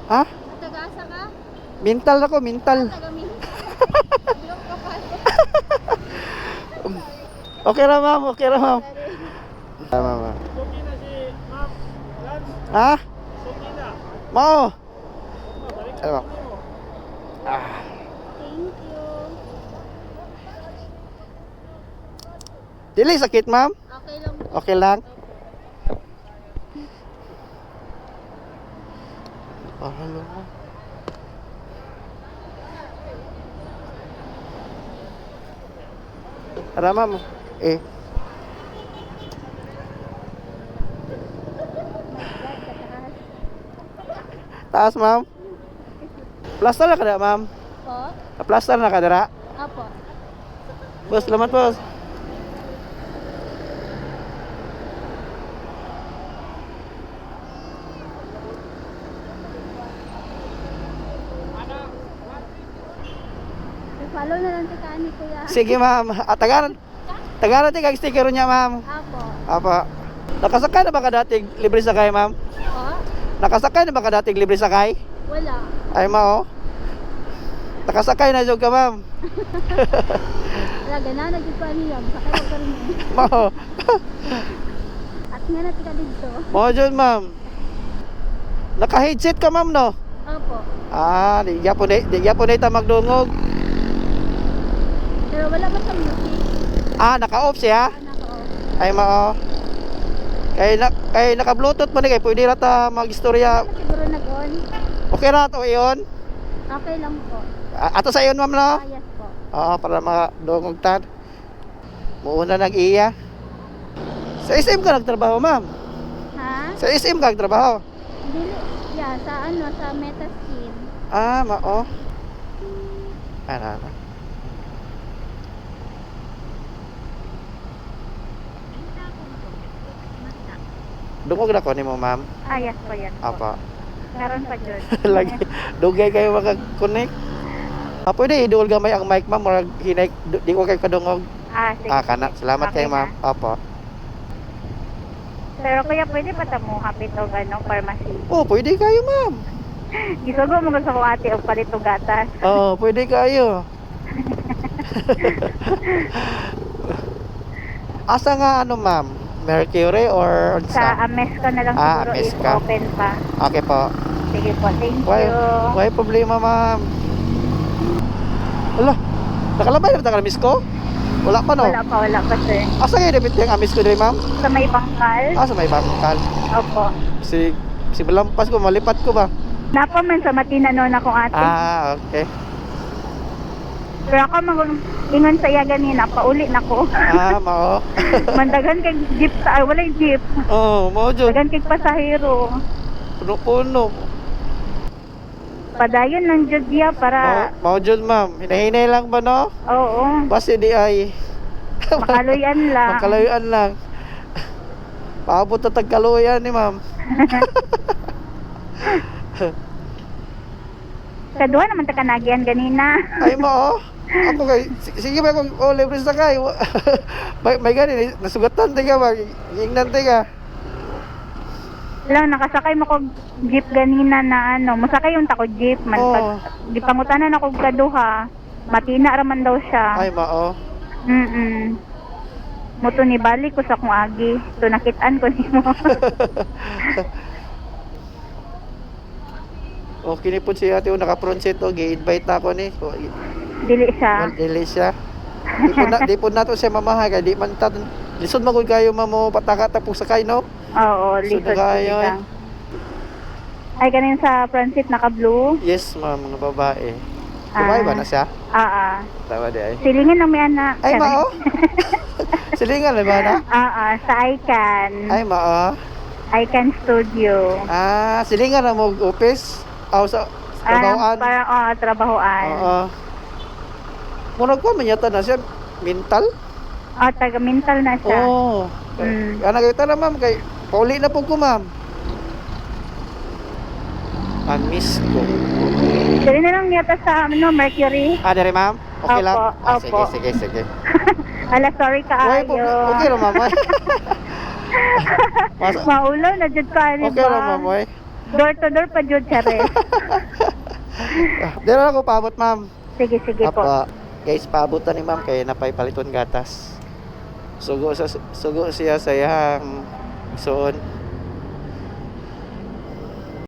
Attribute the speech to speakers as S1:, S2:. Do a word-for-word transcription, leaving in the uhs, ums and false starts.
S1: Ha?
S2: Taga-asa ka?
S1: Mental ako, mental.
S2: Taga-min. Taglong ka pa.
S1: Okay ra ma'am, okay ra ma'am. Tama ma'am.
S3: Suki na si Ma'am Lance.
S1: Ha?
S3: Suki na.
S1: Mao.
S3: Balik
S1: Ano?
S3: mo.
S1: Ah.
S2: Thank you.
S1: Dili sakit ma'am?
S2: Okay lang.
S1: Okay lang. Oh, hello. Tara ma'am. Eh. Taas ma'am. Plaster na kada ma'am.
S2: Po?
S1: Plaster na kada.
S2: Apo.
S1: Boss, salamat boss.
S2: Follow na lang si Kani, kuya.
S1: Sige ma'am. At tagaran. Tagaran ti kag sticker niya ma'am.
S2: Apo.
S1: Apa. Nakasakay na ba ka dating libre sakay ma'am?
S2: Po?
S1: Nakasakay na ba ka dating libre sakay?
S2: Wala.
S1: Ay mao. Nakasakay na jud ka ma'am.
S2: Wala, gana na dito niya. Sakay ko pa rin eh.
S1: Mao.
S2: At nga na tika dito.
S1: Mao jud ma'am. Naka-headset ka ma'am no?
S2: Apo.
S1: Ah, di gyapon di, di gyapon ta magdungog.
S2: Pero wala pa sa music.
S1: Ah, naka-off siya.
S2: Anak ko.
S1: Ay mao. Kay na kay naka-bluetooth man ni kay pwede ra ta mag-istorya.
S2: Siguro nag-on.
S1: Okay ra to iyon.
S2: Okay lang po.
S1: A- Ato sa iyon ma'am no?
S2: Ah, yes po.
S1: Oo, para makadungog tan. Muuna nag-iya. Sa S M ka nagtrabaho ma'am?
S2: Ha?
S1: Sa S M ka nagtrabaho?
S2: Dili. Yeah, sa ano, sa Metaskin.
S1: Ah, mao. Ano, ano. Dungog na ko ni mo, ma'am.
S2: Ah, yes po, yes po.
S1: Apa.
S2: Meron pa dyan.
S1: Lagi. Dugay kayo maka-connect. Ah, pwede iduol gamay ang mic, ma'am. Murag hinay, du- di ko kayo kadungog.
S2: Ah, sige.
S1: Ah, kana. Salamat
S2: Okay
S1: kayo, ma'am.
S2: na.
S1: Apa.
S2: Pero kuya, pwede pa ta mo kapit o ano, pharmacy.
S1: Oh, pwede kayo, ma'am.
S2: Gisugo mo gusto ko ate o palit o gatas.
S1: Oo, pwede kayo. Asa nga ano, ma'am? Mercury or
S2: Sa Ames ka na lang
S1: Ah,
S2: siguro
S1: Ames
S2: if
S1: ka.
S2: open pa.
S1: Okay po.
S2: Sige po, thank
S1: Why,
S2: you.
S1: why problema, ma'am? Ala, nakalabay na ba ka miss ko? Wala pa, no?
S2: Wala pa, wala pa sir.
S1: Asa kayo debit yung amis ko dito, ma'am?
S2: Sa may bangkal?
S1: Ah, sa may bangkal.
S2: Opo.
S1: Si, si Belampas ko, malipat ko ba?
S2: Napa man sa Matina noon akong ate.
S1: Ah, okay.
S2: Pero ako mag ingon sa iya ganina, pauli na ko.
S1: Ah, mao.
S2: Mandagan kay jeep sa, ay, wala yung jeep.
S1: Oh, mao jud.
S2: Dagan kay pasahero.
S1: Puno-puno.
S2: Padayon ng jud diya
S1: Mao,
S2: para,
S1: mao jud, ma'am. Hinahinay lang ba, no?
S2: oo,
S1: Basta di ay
S2: makaluyan lang.
S1: makalayuan lang. Paabot na tagkaluyan ni ma'am.
S2: Kaduha naman ta kanagian ganina.
S1: Ay, mao. Ako kay si- sige ba kung oh, libre sa kay. may may gani nasugatan ti ka ba? Ingnan ti ka.
S2: Lang nakasakay mo ko jeep ganina na ano, masakay yung tako jeep man
S1: Oo.
S2: pag di pangutanan ako kaduha. Matina raman daw siya.
S1: Ay, mao.
S2: Mm. Muto ni balik ko sa kong agi. To nakitaan ko nimo.
S1: Okay ni po si ate o naka-front seat o gi-invite na ako ni. O, i-
S2: Dili siya.
S1: Well, dili siya. Di po na di po nato siya mamahay kay di man ta lisod man gud kayo mamo pataka tapos sakay no.
S2: Oo,
S1: Lisod
S2: lisod
S1: na kayo,
S2: lang. Ay ganin sa front seat naka blue.
S1: Yes, ma'am, mga babae. Babae ba na siya?
S2: Ah, ah.
S1: Tama di ay.
S2: Silingin ng may anak.
S1: Ay, mao. Silingan na ba na?
S2: Ah, ah, sa Icon.
S1: Ay, mao.
S2: Icon Studio.
S1: Ah, silingan na mo office. Aw sa
S2: Ah,
S1: trabahoan.
S2: parang, oh, trabahoan.
S1: Oo. Murag ko man yata na siya mental.
S2: Oh, taga-mental na siya.
S1: Oo.
S2: Mm.
S1: Ana kita na ma'am kay pauli na po ko ma'am. I miss ko.
S2: Dali na lang yata sa ano, Mercury.
S1: Ah, dere ma'am? Okay
S2: Opo,
S1: lang? Ah,
S2: opo.
S1: sige, sige, sige.
S2: Ala, sorry ka
S1: Okay po,
S2: ayo.
S1: okay ra ma'am. Mas-
S2: Maulo na jud ka ni
S1: Okay ra ma'am, oy.
S2: Door to door pa jud sare.
S1: Dito lang ko paabot, ma'am.
S2: Sige, sige po.
S1: Apa. Guys, paabutan ni ma'am kay napay paliton gatas. Sugo sa sugo siya sa iyang igsoon.